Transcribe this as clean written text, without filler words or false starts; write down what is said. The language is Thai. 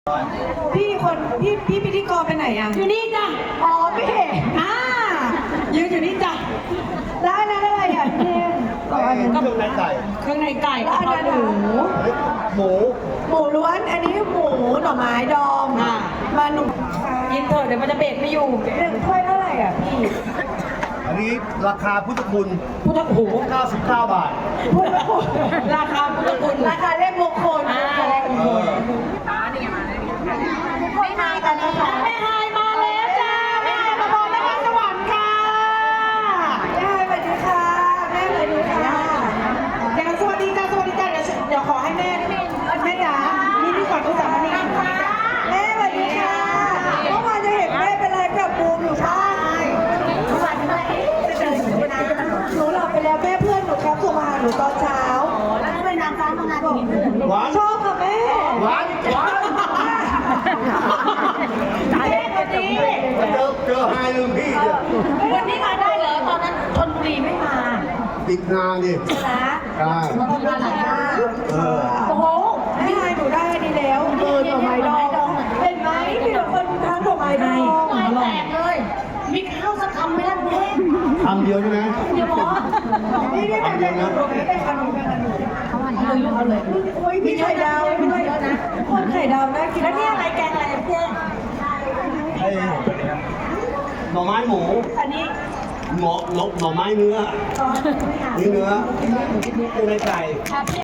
พี่พิธีกรไปไหนอ่ะอยู่นี่จ้ะอ๋อพี่ยืนอยู่นี่จ้ะแล้วอันนั้นอะไรอ่ะพี่เครื่องในไก่เครื่องในไก่แล้วอันนั้นหมูหมูล้วนอันนี้หมูหน่อไม้ดองมาหนุ่มกินเถอะเดี๋ยวมันจะเบรกไม่อยู่1 ถ้วยเท่าไหร่อ่ะพี่อันนี้ราคาพุทธคุณพุทธหู 99 บาทราคาพุทธคุณราคาเลขมงคลเลขมงคลไม่มากันนะคะแม่ไฮมาแล้วจ้าแม่ไฮมาบอกนครสวรรค์ค่ะแม่ไฮสวัสดีค่ะแม่สวัสดีค่ะเดี๋ยวสวัสดีจ้าเดี๋ยวขอให้แม่จ๋านี่ก่อนก็จะมานี่แม่สวัสดีค่ะเมื่อวานจะเห็นแม่เป็นอะไรกับบูมอยู่บ้านหนูหลับไปแล้วแม่เพื่อนหนูครับส่งมาหาหนูตอนเช้าแล้วทำไมนางฟ้ามางานนี้หวานชอบค่ะแม่หวานเจอไฮลืมพี่เนี่ยวันนี้มาได้เหรอตอนนั้นชลบุรีไม่มาติดงานดิใช่ไหมใช่โอ้โหไม่ไฮหนูได้ดีแล้วหน่อไม้ดองเห็นไหมพี่หนูคนทานหน่อไม้ดองไม่แตกเลยมีข้าวสักคำไหมล่ะเพื่อนคำเดียวใช่ไหมเดี๋ยวบอกนี่เป็นขนมเป็นขนมเอาเลยมีไข่ดาวด้วยนะคนไข่ดาวน่ากินแล้วนี่อะไรแกงอะไรเพื่อนหน่อไม้หมูอันนี้หน่อไม้เนื้อเนื้อเครื่องในไก่